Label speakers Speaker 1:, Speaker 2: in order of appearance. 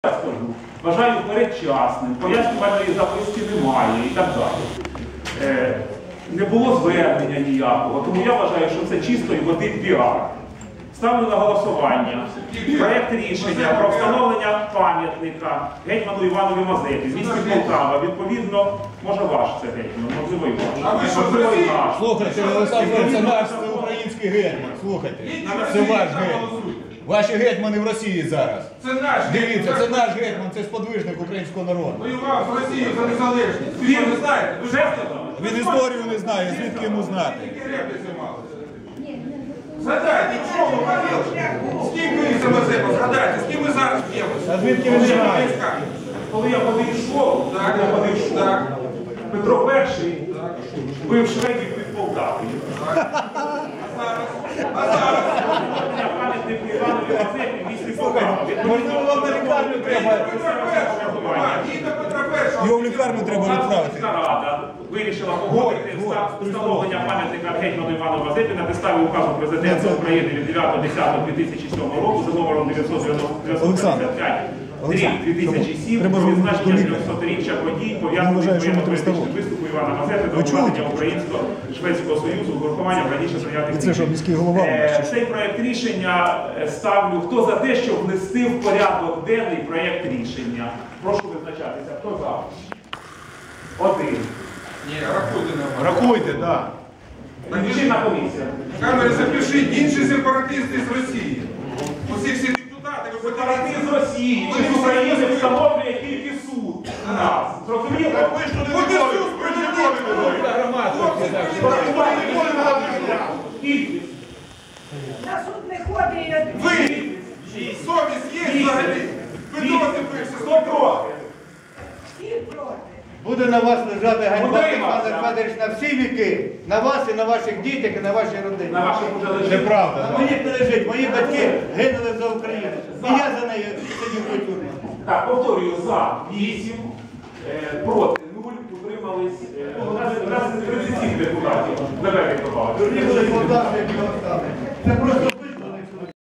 Speaker 1: скажу, вважаю передчасним, пояснювальної записки немає і так далі. Не було звернення ніякого, тому я вважаю, що це чистої води піар. Ставлю на голосування проєкт рішення про встановлення пам'ятника гетьману Іванові Мазепі з міста Полтава. Відповідно, може ваш це гетьман, можливо і ваш. Можливо і наш.
Speaker 2: Слухайте, Олександр, це наш, це український гетьман, слухайте. Це ваш гетьман. Ваші гетьмани в Росії зараз.
Speaker 3: Це наш.
Speaker 2: Дивіться, це наш гетьман, це сподвижник українського народу.
Speaker 3: Воював з Росією за незалежність. Ви що, не знаєте? Ви
Speaker 1: Вже сказав?
Speaker 2: Він історію не знає, звідки йому знати.
Speaker 3: Згадайте, що ви ходили? З ким ви за Мазепа? Згадайте, з ким ви зараз п'ємося?
Speaker 2: А звідки ви знаєте?
Speaker 1: Коли я ходив в школу, Петро І бив шведів під Полтавою.
Speaker 3: А зараз?
Speaker 1: Пам'ятник Іванові Мазепі в місті Полтава.
Speaker 2: Можливо, вам на лікарню треба. Його в лікарню треба відправити.
Speaker 1: Рада вирішила погодити встановлення пам'ятника гетьману Івану Мазепі на підставі указу президента України від 9.10.2007 року за номером 995. 2007 про відзначення 300-річчя подій, пов'язаних з воєнно-політичним виступом Івана Мазепи до укладення Українсько-Шведського Союзу з урахуванням раніше прийнятих рішень. Цей проєкт рішення ставлю. Хто за те, щоб внести в порядок денний проєкт рішення? Прошу визначатися. Хто за? Один.
Speaker 3: Ні, рахуйте нам.
Speaker 2: Рахуйте, так.
Speaker 1: Лічильна комісія.
Speaker 3: Камери запишіть, інші сепаратисти з Росії. Усі всі депутати, ви
Speaker 1: Сепаратизм з Росії чи з України встановлює тільки суд. Нас. Зрозуміло? Кількість.
Speaker 4: На суд не ходить.
Speaker 3: Ви! Совість є взагалі? Ви досі пишете.
Speaker 1: Хто проти?
Speaker 4: Всі проти.
Speaker 5: Буде на вас лежати ганьба,
Speaker 1: Утримався.
Speaker 5: Олександр Федорович, на всі віки. На вас і на ваших дітях, і на вашій родині.
Speaker 1: На ваших уже лежить.
Speaker 2: Неправда.
Speaker 5: На моїх не лежить. Мої батьки гинули за Україну. І я за нею сидів у тюрмі.
Speaker 1: Так, повторюю, за 8, проти 0, утримались, у нас 37 депутатів. Наверное, добавили.
Speaker 5: Дурні були солдати, які оставили. Це просто